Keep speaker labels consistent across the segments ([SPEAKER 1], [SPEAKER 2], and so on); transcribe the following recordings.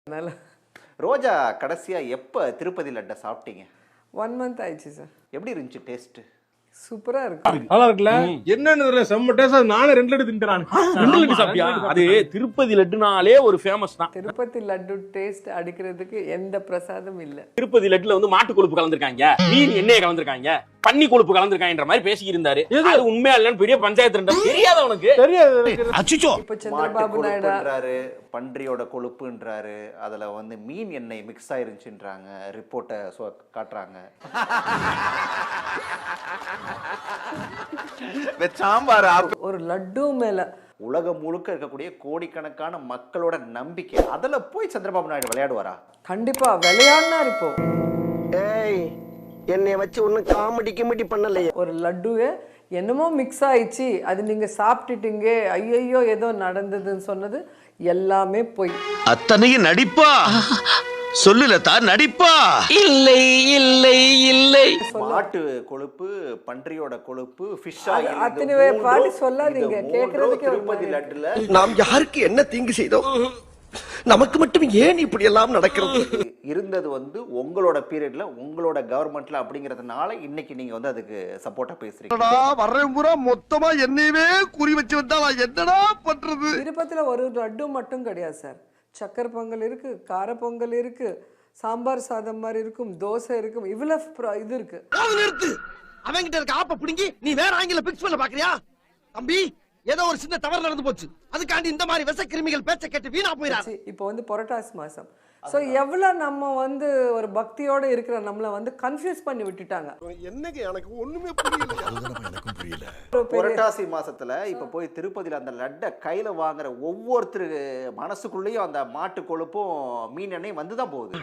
[SPEAKER 1] அதனால
[SPEAKER 2] ரோஜா கடைசியா எப்ப திருப்பதி லட்டை சாப்பிட்டீங்க?
[SPEAKER 1] 1 month ஆயிடுச்சு சார்.
[SPEAKER 2] எப்படி இருந்துச்சு டேஸ்ட்?
[SPEAKER 1] சூப்பரா இருக்கும்.
[SPEAKER 3] நல்லா இருக்குல்ல? என்னன்னு செம்ம டேஸ்ட். நானே 2 லட்டு தின்றானே.
[SPEAKER 4] 2 லட்டு சாப்பிட்டியா? அது திருப்பதி லட்டுனாலே ஒரு ஃபேமஸ் தான்.
[SPEAKER 1] திருப்பதி லட்டு டேஸ்ட் அடிக்கிறதுக்கு எந்த பிரசாதம் இல்ல.
[SPEAKER 4] திருப்பதி லட்டுல வந்து மாட்டு கொழுப்பு கலந்துருக்காங்க, மீன் எண்ணெய் கலந்துருக்காங்க, பன்னி கொழுப்பு கலந்துருக்காங்கன்ற மாதிரி பேசி இருந்தாரு. அது உண்மையா இல்லன்னு பெரிய பஞ்சாயத்து தெரியாத உனக்கு
[SPEAKER 3] தெரியாது.
[SPEAKER 4] அச்சுச்சோ.
[SPEAKER 1] இப்ப சந்திரபாபு நாயுடு
[SPEAKER 2] பன்றியோட கொழுப்புன்றாரு, அதுல வந்து மீன் எண்ணெய் மிக்ஸ் ஆயிருச்சுன்றாங்க, ரிப்போர்ட்டை காட்டுறாங்க. சாம்பார்
[SPEAKER 1] ஒரு லட்டு மேல
[SPEAKER 2] உலகம் முழுக்க இருக்கக்கூடிய கோடிக்கணக்கான மக்களோட நம்பிக்கை, அதுல போய் சந்திரபாபு நாயுடு விளையாடுவாரா?
[SPEAKER 1] கண்டிப்பா விளையாடினா இப்போ.
[SPEAKER 5] ஏய், என்னைய வச்சு ஒன்னும் காமெடி கிமெடி பண்ணலையே.
[SPEAKER 1] ஒரு லட்டுவே என்னமோ மிக்ஸ் ஆயிடுச்சு, அது நீங்க சாப்பிட்டுட்டீங்க, ஐயோ ஏதோ நடந்ததுன்னு சொன்னது எல்லாமே போய்.
[SPEAKER 6] அத்தனையும் நடிப்பா சொல்லுலதா, நடிப்பா
[SPEAKER 5] இல்லை இல்லை இல்லை.
[SPEAKER 2] மாட்டு கொழுப்பு, பன்றியோட கொழுப்பு, ஃபிஷ் ஆயில்,
[SPEAKER 1] அத்தனை பாடி சொல்லாதீங்க, கேக்குறதுக்கே
[SPEAKER 2] திருப்பதி லட்டுல
[SPEAKER 5] நாம் யாருக்கு என்ன தீங்கு செய்தோம்? நமக்கு மட்டும் ஏன் இப்படி எல்லாம் நடக்கிறது?
[SPEAKER 2] இருந்தது வந்து உங்களோட பீரியட்ல, உங்களோட கவர்மெண்ட்ல அப்படிங்கறதுனால இன்னைக்கு நீங்க வந்து அதுக்கு சப்போர்ட்டா பேசுறீங்க.
[SPEAKER 5] வர்றேன் பூரா மொத்தமா என்னையவே குறி வச்சு வந்தா நான் என்னடா பண்றது?
[SPEAKER 1] திருப்பதில ஒரு லட்டு மட்டும் கிடையாது சார். சக்கரை பொங்கல் இருக்கு, கார பொங்கல் இருக்கு, சாம்பார் சாதம் மாதிரி இருக்கும், தோசை இருக்கும், இவ்வளவு இது இருக்கு.
[SPEAKER 5] நிறுத்து. அவங்கிட்ட இருக்க ஆப்ப பிடுங்கி நீ வேற ஆங்கில பிக்ஸ் பண்ண பாக்குறியா? தம்பி, ஏதோ ஒரு சின்ன தவறு நடந்து போச்சு, அதுக்காண்டி இந்த மாதிரி விஷ கிருமிகள் பேச்ச கேட்டு வீணா போயிடாது.
[SPEAKER 1] இப்போ வந்து புரட்டாசி மாசம், சோ எவ்வளவு நம்ம வந்து ஒரு பக்தியோட இருக்கிற நம்மள வந்து கன்ஃபியூஸ் பண்ணி விட்டுட்டாங்க.
[SPEAKER 5] என்னங்க எனக்கு ஒண்ணுமே புரியல.
[SPEAKER 2] புரட்டாசி மாசத்துல இப்ப போய் திருப்பதியில அந்த லட்டை கையில வாங்குற ஒவ்வொருத்தரு மனசுக்குள்ளேயும் அந்த மாட்டு கொழுப்பும் மீன் எண்ணெய் வந்துதான் போகுது.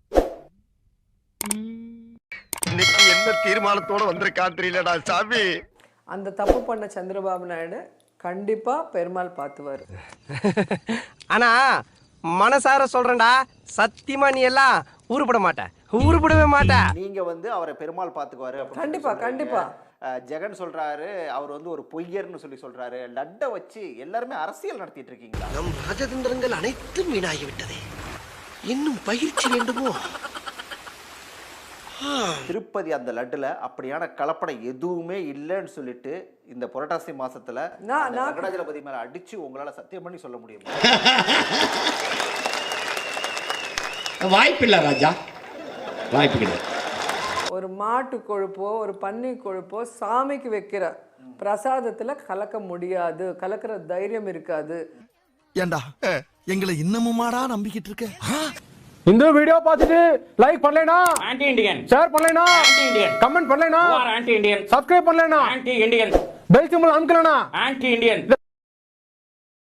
[SPEAKER 5] இன்னைக்கு என்ன தீர்மானத்தோட வந்திருக்கான் தெரியலடா சாமி.
[SPEAKER 1] அந்த தப்பு பண்ண சந்திரபாபு நாயுடு கண்டிப்பா பெருமாள் பார்த்துவாரு.
[SPEAKER 7] ஆனா மனசார சொல்றேன்டா, சத்தியமா நீ எல்லாம் உருப்பட மாட்ட, உருப்படவே மாட்ட.
[SPEAKER 2] நீங்க வந்து அவரை பெருமாள் பாத்துக்குவாரு.
[SPEAKER 1] கண்டிப்பா கண்டிப்பா.
[SPEAKER 2] ஜெகன் சொல்றாரு அவர் வந்து ஒரு பொய்யர்னு சொல்றாரு. லட்டை வச்சு எல்லாருமே அரசியல் நடத்திட்டு இருக்கீங்களா?
[SPEAKER 5] நம் ராஜதந்திரங்கள் அனைத்தும் வீணாகிவிட்டதே, இன்னும் பயிற்சி வேண்டுமோ?
[SPEAKER 2] திருப்பதி அந்த லட்டுல அப்படியான கலப்படம் எதுவுமே இல்லைன்னு சொல்லிட்டு இந்த புரட்டாசி மாசத்துல வெங்கடாஜலபதி மேல அடிச்சு உங்களால சத்தியம் பண்ணி சொல்ல முடியும்?
[SPEAKER 6] வாய்ப்பில்லை ராஜா, வாய்ப்பு கிடையாது.
[SPEAKER 1] ஒரு மாட்டு கொழுப்போ ஒரு பன்னி கொழுப்போ சாமிக்கு வைக்கிற பிரசாதத்துல கலக்க முடியாது, கலக்கிற தைரியம் இருக்காது.
[SPEAKER 8] ஏண்டா எங்களை இன்னமுமாடா நம்பிக்கிட்டு இருக்க?
[SPEAKER 3] இந்த வீடியோ பார்த்துட்டு லைக் பண்ணலைனா
[SPEAKER 4] ஆன்டி இண்டியன்,
[SPEAKER 3] ஷேர் பண்ணலைனா
[SPEAKER 4] ஆன்டி இண்டியன்,
[SPEAKER 3] கமெண்ட் பண்ணலைனா
[SPEAKER 4] ஆன்டி இண்டியன்,
[SPEAKER 3] சப்ஸ்கிரைப் பண்ணலைனா
[SPEAKER 4] ஆன்டி இண்டியன்,
[SPEAKER 3] பெல் சிம்பல் அமுக்கலைனா
[SPEAKER 4] ஆன்டி இண்டியன்.